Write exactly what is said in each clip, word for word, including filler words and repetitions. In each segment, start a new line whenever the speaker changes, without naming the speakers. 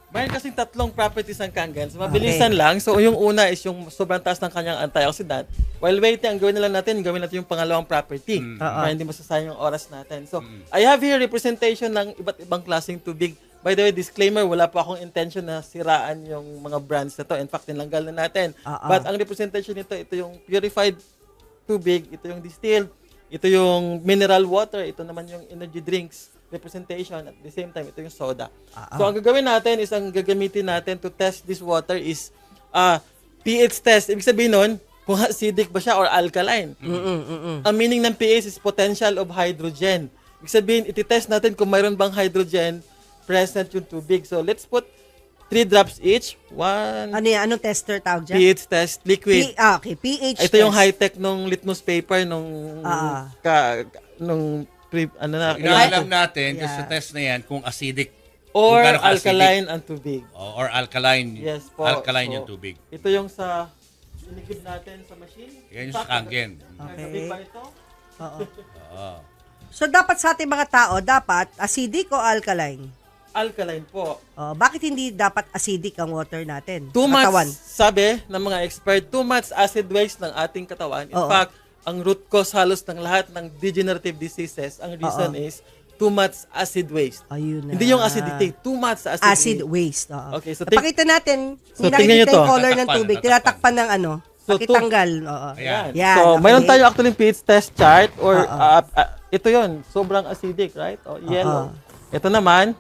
Mayroon kasing tatlong properties ng Kangen. So, mabilisan okay. lang. So, yung una is yung sobrang taas ng kanyang antioxidant. While waiting, ang gawin na lang natin, gawin natin yung pangalawang property. Mm. Uh-huh. Para hindi masasayang yung oras natin. So, mm. I have here representation ng iba't ibang klaseng tubig. By the way, disclaimer, wala po akong intention na siraan yung mga brands na to. In fact, tinanggal na natin. Uh-huh. But ang representation nito, ito yung purified tubig, ito yung distilled, ito yung mineral water, ito naman yung energy drinks representation. At the same time, ito yung soda. Uh-huh. So, ang gagawin natin is, ang gagamitin natin to test this water is uh, pH test. Ibig sabihin nun, kung acidic ba siya or alkaline. Mm-mm, mm-mm. Ang meaning ng pH is potential of hydrogen. Ibig sabihin, ititest natin kung mayroon bang hydrogen present yung tubig. So, let's put three drops each. One.
Ano yan? Anong tester tawag dyan?
pH test, liquid.
P- ah, okay, pH
Ito
test.
yung high-tech nung litmus paper nung
Ah.
ka, nung pre, ano na.
Inaalam natin
Yeah.
sa test na yan kung acidic
Or
kung gaano ka-acidic.
alkaline ang tubig.
O, or alkaline.
Yes po.
Alkaline
So,
yung tubig.
Ito yung sa inikib natin sa machine.
Yan yung sa Kangen.
Okay.
Tubig ba ito?
Oo.
Oo.
So, dapat sa ating mga tao, dapat acidic o alkaline?
Alkaline po.
Oh, bakit hindi dapat acidic ang water natin?
Too
sa
much,
katawan?
sabi ng mga expert, too much acid waste ng ating katawan. In
Oo.
fact, ang root cause halos ng lahat ng degenerative diseases, ang reason
Oo.
is too much acid waste.
Ayun na.
Hindi yung acidity, too much acid,
Acid
waste.
waste. Oo.
Okay, so think-
Napakita natin,
So,
kung
tingnan nyo
nakikita
to.
yung color ng
Tatakpan,
tubig,
tatakpan.
tinatakpan ng ano,
So,
pakitanggal. Oo.
Ayan.
Yan,
so,
okay.
mayroon tayo actually pH test chart or
Oo.
uh, uh, ito yon sobrang acidic, right? O, yellow. Ito naman,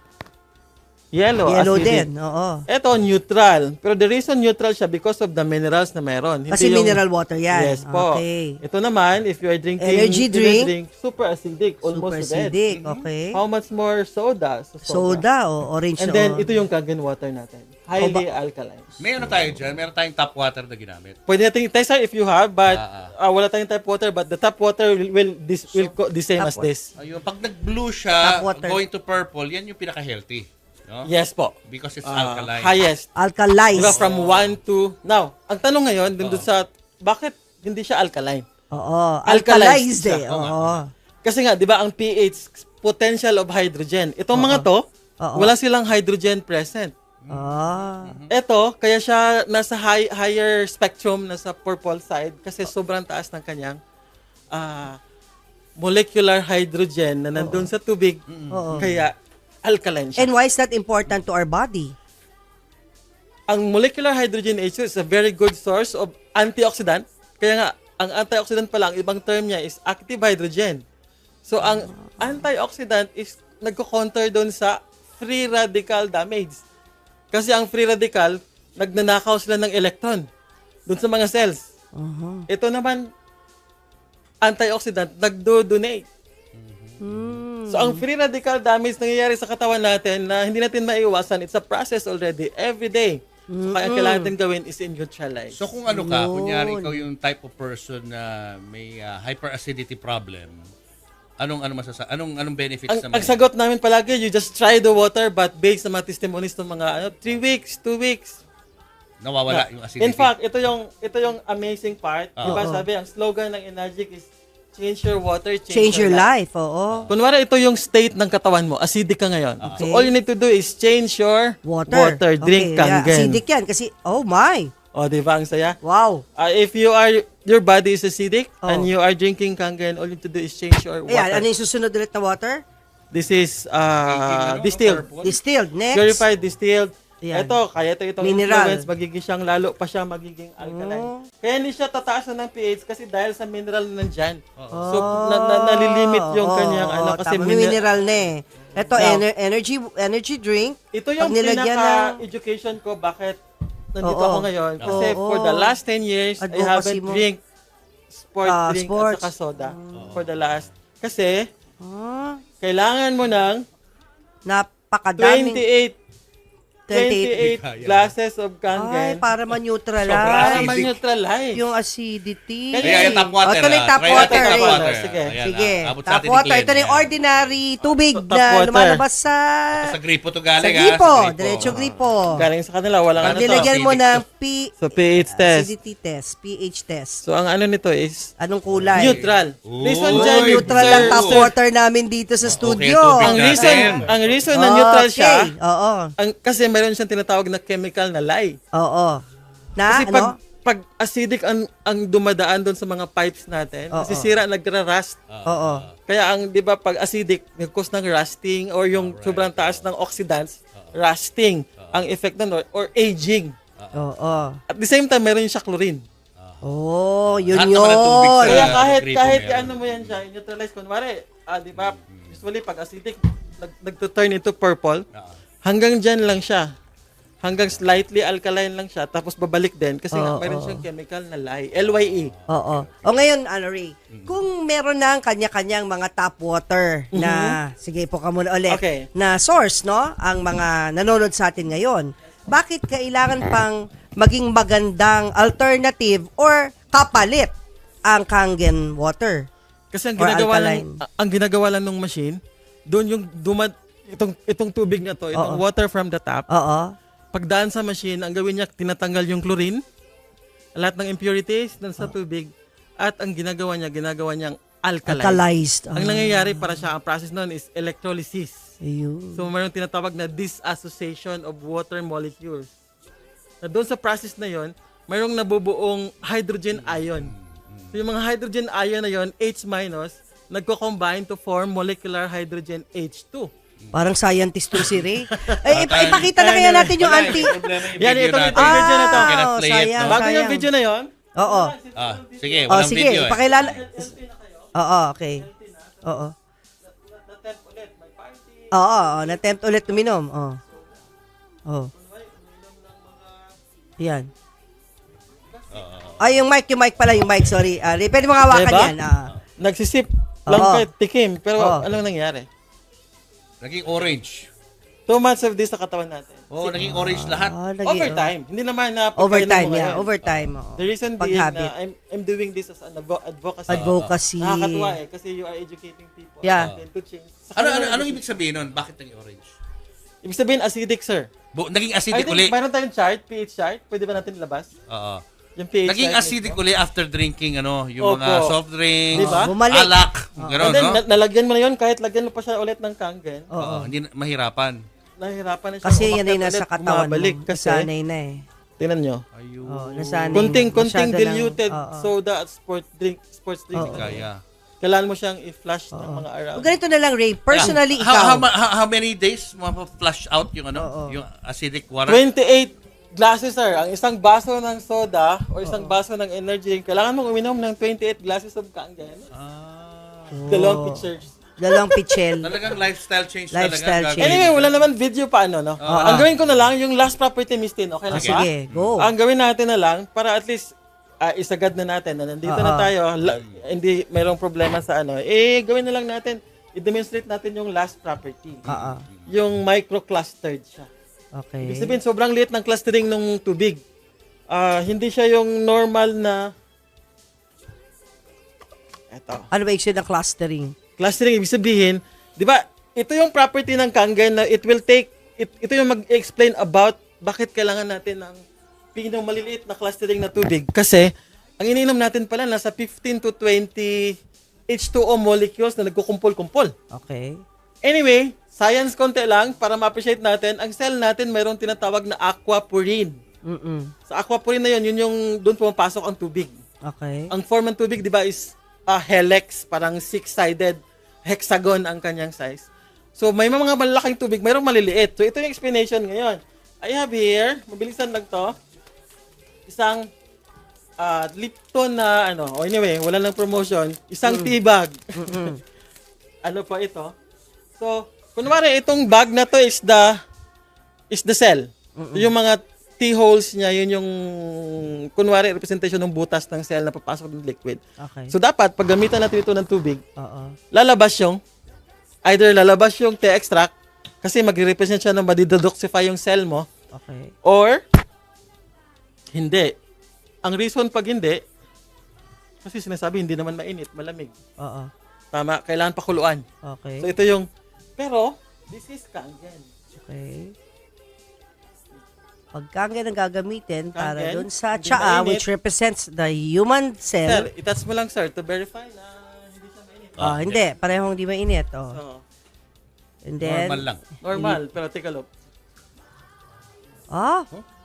yellow,
Yellow
acidic.
din, oo.
Ito, neutral. Pero the reason neutral siya because of the minerals na meron. Hindi
Kasi
yung-
mineral water yan.
Yes po.
Okay.
Ito naman, if you are drinking
Energy drink.
super acidic, almost
Super
red.
acidic, okay.
How much more soda? So,
Soda o orange
And
na
then,
o-
ito yung Kangen water natin. Highly alkaline.
May ano tayo dyan? Meron tayong tap water na ginamit.
Pwede natin i-test sir, if you have, but
Ah,
uh, wala tayong tap water, but the tap water will, will, this, will co- the same
Tap
as
water.
this.
Ayun, pag nag-blue siya,
Tap water.
going to purple, yan yung pinaka-healthy. No?
Yes po.
Because it's
Uh,
alkaline.
highest.
alkalized.
Diba, from one to... Now, ang tanong ngayon, dun dun sa, bakit hindi siya alkaline?
Oo.
Alkalized
Alkalized eh.
siya.
Oo.
Kasi nga, di ba, ang pH, potential of hydrogen. Itong mga to,
Oo.
wala silang hydrogen present.
Ah.
Ito, kaya siya nasa high, higher spectrum, nasa purple side, kasi sobrang taas ng kanyang ah, molecular hydrogen na nandun sa tubig,
Oo.
kaya alkaline siya.
And why is that important to our body?
Ang molecular hydrogen H two is a very good source of antioxidant. Kaya nga, ang antioxidant pala, ang ibang term niya is active hydrogen. So, ang antioxidant is nagko-counter doon sa free radical damage. Kasi ang free radical, nagnanakaw sila ng electron doon sa mga cells.
Uh-huh.
Ito naman, antioxidant, nagdo-donate.
Hmm.
So, ang free radical damage nangyayari sa katawan natin na hindi natin maiiwasan, it's a process already, every day. So, kaya ang kailangan natin gawin is in-neutralize.
So kung ano ka,
Yun.
kunyari ikaw yung type of person na may uh, hyperacidity problem, anong ano masasa anong anong benefits
ang,
naman?
ang sagot namin palagi, you just try the water, but based sa mga testimonies ng mga ano, three weeks, two weeks.
Nawawala yung acidity.
In fact, ito yung ito yung amazing part.
Oo.
Diba sabi, ang slogan ng Enagic is change your water, change,
Change your life. Oo.
Kunwari, ito yung state ng katawan mo. Acidic ka ngayon.
Okay.
So, all you need to do is change your
Water.
drink
Okay, yeah,
Kangen.
acidic yan kasi, oh my.
O, di ba? Ang saya.
Wow.
Uh, if you are, your body is acidic
Oh.
and you are drinking Kangen, all you need to do is change your water.
Ayan, ano yung susunod ulit na water?
This is uh,
Ano,
distilled.
purple?
Distilled. Next.
Purified, distilled.
Ayan.
Ito, kaya ito itong
Mineral.
influence, magiging siyang lalo pa siya magiging alkaline.
Oh.
Kaya hindi siya tataas na ng pH kasi dahil sa mineral na nandyan. So, na, na, nalilimit yung
Oo,
kanyang ano
oo,
kasi
tama, may
mine-
mineral na eh. Ito,
Now,
ener- energy energy drink.
Ito yung
Pag nilagyan
pinaka-education ko bakit nandito
Oo.
ako ngayon. Kasi
Oo.
for the last ten years, I
Advocacy
haven't
mo.
drink sport
Ah,
drink
sports.
at saka soda for the last. Kasi,
Ah,
kailangan mo ng
napakadaming.
twenty-eight
twenty-eight.
twenty-eight glasses of
Ay,
Kangen
para ma-neutralize.
para
Acidic.
ma-neutralize.
Yung acidity.
Kaya yung tap water.
O, ito na yung
ah.
tap
Try natin
water.
tap
eh.
water.
Sige.
Ayan,
Sige,
ah. Abot sa
tap
atin ni
water.
Glenn.
Ito na yung
Yan.
ordinary tubig
Tap
na
water.
lumalabas sa...
Sa gripo to
Sa
galing. ah,
gripo.
sa gripo.
Diretso gripo.
Galing sa kanila, walang
Pag
ano to.
nilagyan mo
acidic
ng
to.
P...
So, pH test.
Acidity test. pH test.
So, ang ano nito is
Anong kulay?
neutral. Reason
Uy,
dyan,
Neutral
sir,
lang tap
sir,
water namin dito sa studio.
tubig
Ang
natin.
reason, ang reason na neutral siya,
Okay, oo.
ang, kasi mayroon siyang tinatawag na chemical na lye.
Oo. Na,
Kasi
ano?
pag, pag acidic ang, ang dumadaan doon sa mga pipes natin,
Oo.
nasisira, nagra-rust.
Oo.
Kaya ang, di ba, pag acidic, nag-cause ng rusting or yung sobrang taas ng oxidants, rusting ang effect nun or, or aging.
Oo.
At the same time, mayroon siya chlorine.
Oh, yun
Lahat naman ng tubig
yun.
sa-
Kaya kahit,
gripo
kahit
meron.
ano mo yan siya, neutralize, kunwari, ah, di ba, usually pag acidic, nag, nagto-turn into purple, hanggang dyan lang siya. Hanggang slightly alkaline lang siya, tapos babalik din kasi nga
Oo,
mayroon
oo.
siyang chemical na lye, L Y E.
Oo. O ngayon, ano Ray, kung meron na ang kanya-kanyang mga tap water na, sige po ka muna ulit,
Okay.
na source, no? Ang mga nanonood sa atin ngayon, bakit kailangan pang maging magandang alternative or kapalit ang Kangen water?
Kasi ang
Or
ginagawa
alkaline.
lang, ang ginagawa lang ng machine, doon yung dumad, itong, itong tubig na to, itong
Oo.
water from the tap,
Oo.
pagdaan sa machine, ang gawin niya, tinatanggal yung chlorine, lahat ng impurities dun sa tubig, at ang ginagawa niya, ginagawa niyang alkaline.
Alkalized.
Ang nangyayari para siya, ang process nun is electrolysis.
Ayun.
So, mayroong tinatawag na disassociation of water molecules. Na doon sa process na yon, mayroong nabubuong hydrogen ion. So, yung mga hydrogen ion na yon, H minus, nagko-combine to form molecular hydrogen H two.
Parang scientist to si Ray. Ay, ip- ipakita na kaya natin yung anti...
Yan, itong, itong video na to.
Cannot play it,
sayang,
no?
Bago yung
sayang.
video na yon,
Oo.
Ah, sige,
Oh,
walang
sige,
video eh.
ipakilala. Oo, okay. Oo. Oo, oo, na-tempt ulit uminom. Oo. Oh. Yan. Ay, yung mic, yung mic pala, yung mic, sorry. Ah, Ray, pwede mo nga hawakan
Diba?
yan. Ah.
nagsisip lang
Oo.
kahit tikim. Pero
Oo.
anong nangyari?
Naging orange.
Two months of this sa katawan natin.
Oo, naging orange lahat.
Ah, lagi-
Overtime. Hindi naman na pagkailan
Overtime,
mo
yeah.
ngayon.
Overtime. oo.
The reason being
Pag-habit.
na I'm, I'm doing this as an advo- advocacy.
Advocacy.
Nakakatuwa eh. Kasi you are educating people.
Yeah.
And to change. Sa
Ano,
kanila,
ano, anong ibig sabihin nun? Bakit naging orange?
Ibig sabihin acidic, sir.
Bu- naging
I
acidic
think
uli.
mayroon tayong chart, pH chart. Pwede ba natin ilabas?
Oo.
Yung pH
Naging
chart.
acidic
mismo.
uli after drinking ano, yung
Opo.
mga soft drinks,
Diba?
Bumalik.
alak,
And
gano'n,
then,
no?
na- nalagyan mo na yun, kahit lagyan mo pa siya ulit ng kangen,
Oo.
Oo, hindi na- mahirapan.
nahihirapan na siya.
Kasi yan ay
umakyat
nasa
ulit,
katawan
bumabalik.
mo.
Kasi,
Nasanay na eh.
tingnan nyo,
Ayun.
Oh, nasanay
kunting,
na.
kunting
Masyado ng-
diluted
oo.
soda at sports drink, sports drink.
Oo.
Kaya.
Kailangan mo siyang i-flush ng mga araw.
O, ganito na lang, Ray. Personally,
how,
ikaw.
how, ma- how, how many days ma-flush out yung ano,
Oo.
yung acidic water?
twenty-eight glasses, sir. Ang isang baso ng soda o isang baso ng energy drink, kailangan mong uminom ng twenty-eight glasses of kangen.
Ah,
Dalawang pitchers.
Dalawang pichel.
talagang lifestyle change
Lifestyle
talaga.
change.
Anyway, wala naman video pa ano, no? Ang gawin ko na lang, yung last property mistin, okay
Ah,
lang ba?
sige, go.
Ang gawin natin na lang, para at least ah, isagad na natin na nandito na
Oo.
tayo, la- hindi mayroong problema sa ano, eh, gawin na lang natin, i-demonstrate natin yung last property.
Oo.
Yung microclustered siya.
Okay.
Ibig sabihin, sobrang liit ng clustering ng tubig. Ah, hindi siya yung normal na, eto,
Ano ba yung ng clustering?
clustering, ibig sabihin, di ba, ito yung property ng kangen na it will take, it, ito yung mag-explain about bakit kailangan natin ng pinong maliliit na clustering na tubig. Kasi, ang iniinom natin pala, nasa fifteen to twenty H two O molecules na nagkukumpol-kumpol.
Okay.
Anyway, science konti lang, para ma-appreciate natin, ang cell natin mayroong tinatawag na aquaporine.
Mm-mm.
Sa aquaporine na yun, yun yung doon pumapasok ang tubig.
Okay.
Ang form ng tubig, di ba, is a helix, parang six-sided hexagon ang kanyang size. So, may mga malalaking tubig, mayroong maliliit. So, ito yung explanation ngayon. I have here, mabilisan lang to, isang ah, Lipton na, ano, oh, anyway, wala lang promotion, isang tea bag. Ano pa ito? So, kunwari, itong bag na to is the, is the cell. Yung mga tea holes niya, yun yung, kunwari, representation ng butas ng cell na papasok ng liquid.
Okay.
So, dapat, pag gamitan natin ito ng tubig,
Oo.
lalabas yung, either lalabas yung tea extract, kasi magre-represent siya na madidedoxify yung cell mo,
Okay.
or, hindi. Ang reason pag hindi, kasi sinasabi, hindi naman mainit, malamig.
Oo.
Tama, kailangan pakuluan.
Okay.
So, ito yung, pero, this is kangen.
Okay. Pag kangen ang gagamitin para
Kangen,
dun sa
hindi
tsaa,
mainit.
which represents the human
Sir,
cell.
itats mo lang, sir, to verify na hindi siya mainit.
Ah, hindi. Parehong di mainit. Oh.
So,
And then,
Normal lang.
normal, pero take a look.
Ah,